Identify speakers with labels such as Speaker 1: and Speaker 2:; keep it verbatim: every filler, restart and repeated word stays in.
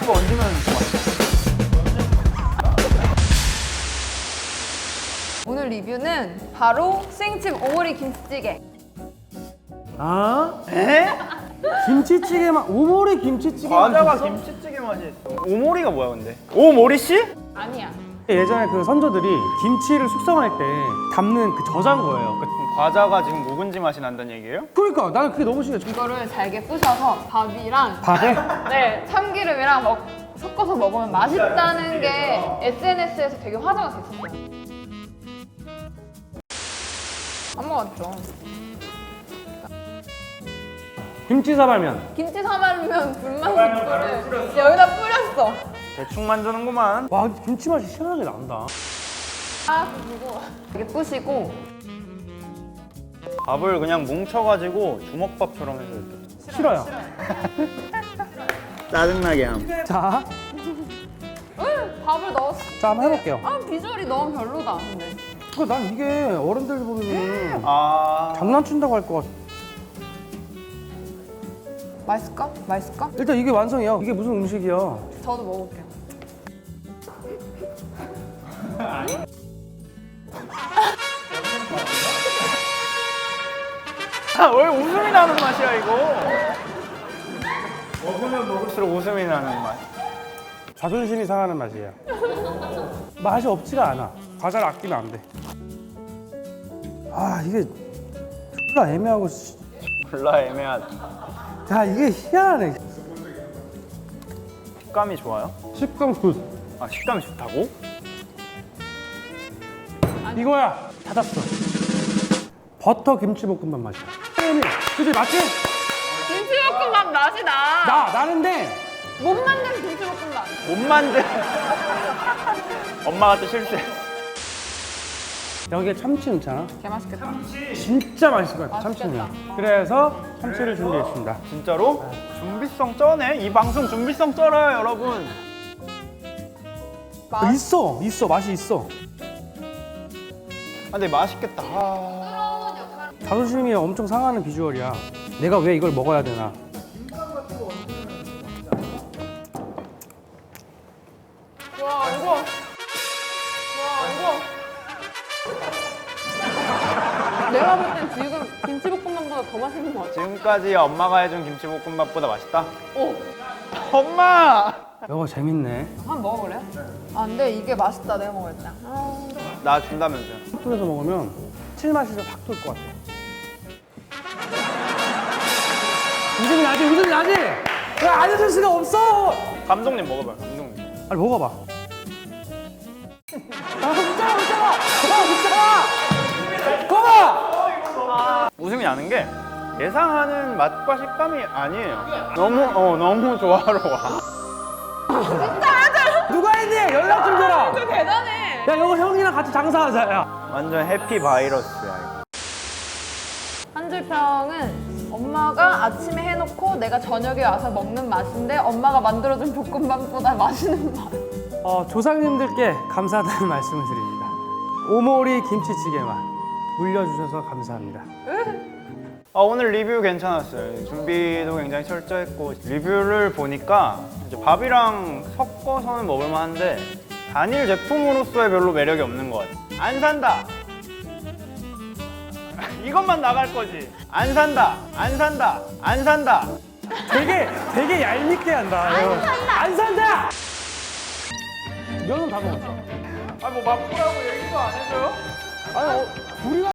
Speaker 1: 이거 얹으면 맛있어.
Speaker 2: 오늘 리뷰는 바로 수행집 오모리 김치찌개.
Speaker 3: 아? 에? 김치찌개 맛, 오모리 김치찌개
Speaker 1: 과자가
Speaker 3: 맛있어?
Speaker 1: 김치찌개 맛이 있어. 오모리가 뭐야 근데? 오모리 씨?
Speaker 2: 아니야.
Speaker 3: 예전에 그 선조들이 김치를 숙성할 때 담는 그 저장고예요. 그-
Speaker 1: 그럼 과자가 지금 묵은지 맛이 난다는 얘기예요?
Speaker 3: 그러니까 나는 그게 너무 신기해.
Speaker 2: 이거를 잘게 부셔서 밥이랑
Speaker 3: 밥에?
Speaker 2: 네, 참기름이랑 먹, 섞어서 먹으면 맛있다는 게 에스엔에스에서 되게 화제가 됐었어요. 안 먹었죠.
Speaker 3: 김치 사발면.
Speaker 2: 김치 사발면 불맛 스프를 여기다 뿌렸어.
Speaker 1: 대충 만드는구만.
Speaker 3: 와, 김치 맛이 시원하게 난다.
Speaker 2: 아, 그리고 이렇게 뿌시고
Speaker 1: 밥을 그냥 뭉쳐가지고 주먹밥처럼 해서 이렇게.
Speaker 3: 싫어요.
Speaker 1: 짜증나게 함.
Speaker 3: 자,
Speaker 2: 응, 밥을 넣었어.
Speaker 3: 자 한번 해볼게요.
Speaker 2: 아, 비주얼이 너무 별로다. 근데
Speaker 3: 그 난 이게 어른들 보면
Speaker 1: 아.
Speaker 3: 장난친다고 할 것 같아.
Speaker 2: 맛있을까? 맛있을까?
Speaker 3: 일단 이게 완성이야. 이게 무슨 음식이야?
Speaker 2: 저도 먹을게요.
Speaker 1: 아, 왜 웃음이 나는 맛이야 이거? 먹으면 먹을수록 웃음이 나는 맛.
Speaker 3: 자존심이 상하는 맛이에요. 맛이 없지가 않아. 과자를 아끼면 안 돼. 아, 이게 졸라 애매하고. 씨.
Speaker 1: 졸라 애매하다.
Speaker 3: 야, 이게 희한하네.
Speaker 1: 식감이 좋아요?
Speaker 3: 식감 굿.
Speaker 1: 아, 식감이 좋다고?
Speaker 3: 이거야. 찾았어. 버터 김치볶음밥 맛이야. 그치, 맞지?
Speaker 2: 김치볶음밥 맛이 나.
Speaker 3: 나, 나는데
Speaker 2: 못 만든 김치볶음밥.
Speaker 1: 못 만든. 엄마가 또 실수했어.
Speaker 3: 여기에 참치 넣잖아.
Speaker 2: 개 맛있겠다.
Speaker 3: 진짜 맛있을 것 같아, 참치는. 그래서 참치를 준비했습니다.
Speaker 1: 진짜로? 준비성 쩌네? 이 방송 준비성 쩔어요 여러분.
Speaker 3: 어, 있어, 있어, 맛이 있어.
Speaker 1: 아, 근데 맛있겠다. 아...
Speaker 3: 자존심이 엄청 상하는 비주얼이야. 내가 왜 이걸 먹어야 되나?
Speaker 2: 와, 이거. 와, 이거. 내가 볼 땐 지금 김치볶음밥보다 더 맛있는 것 같아.
Speaker 1: 지금까지 엄마가 해준 김치볶음밥보다 맛있다?
Speaker 2: 오,
Speaker 1: 엄마!
Speaker 3: 이거 재밌네.
Speaker 2: 한번 먹어볼래요? 아, 근데 이게 맛있다. 내가 먹을 때. 아,
Speaker 1: 나 준다면서요.
Speaker 3: 핫도그에서 먹으면 칠맛이 좀 확 돌 것 같아. 웃음이 나지, 웃음이 나지? 왜 안 해줄 수가 없어?
Speaker 1: 감독님 먹어봐요, 감독님.
Speaker 3: 아니, 먹어봐. 아, 웃잖아, 웃잖아! 아, 웃잖아! 거봐!
Speaker 1: 웃음이 나는 게 예상하는 맛과 식감이 아니에요. 너무, 어, 너무 조화로워.
Speaker 3: 누가 했니? 연락 좀 줘라!
Speaker 2: 진짜 대단해.
Speaker 3: 야, 이거 형이랑 같이 장사하자, 야.
Speaker 1: 완전 해피 바이러스야, 이거.
Speaker 2: 한 줄 평은 엄마가 아침에 해놓고 내가 저녁에 와서 먹는 맛인데 엄마가 만들어준 볶음밥보다 맛있는 맛.
Speaker 3: 어, 조상님들께 감사하다는 말씀을 드립니다. 오모리 김치찌개 맛 물려주셔서 감사합니다.
Speaker 1: 아, 오늘 리뷰 괜찮았어요. 준비도 굉장히 철저했고 리뷰를 보니까 이제 밥이랑 섞어서는 먹을만 한데 단일 제품으로서의 별로 매력이 없는 것 같아. 안 산다! 이것만 나갈 거지. 안 산다! 안 산다! 안 산다!
Speaker 3: 되게 되게 얄밉게 한다. 안 산다. 안 산다. 면은 다 먹었어.
Speaker 1: 아, 뭐 맛보라고 얘기도 안 해줘요?
Speaker 3: 아니, 어, 우리가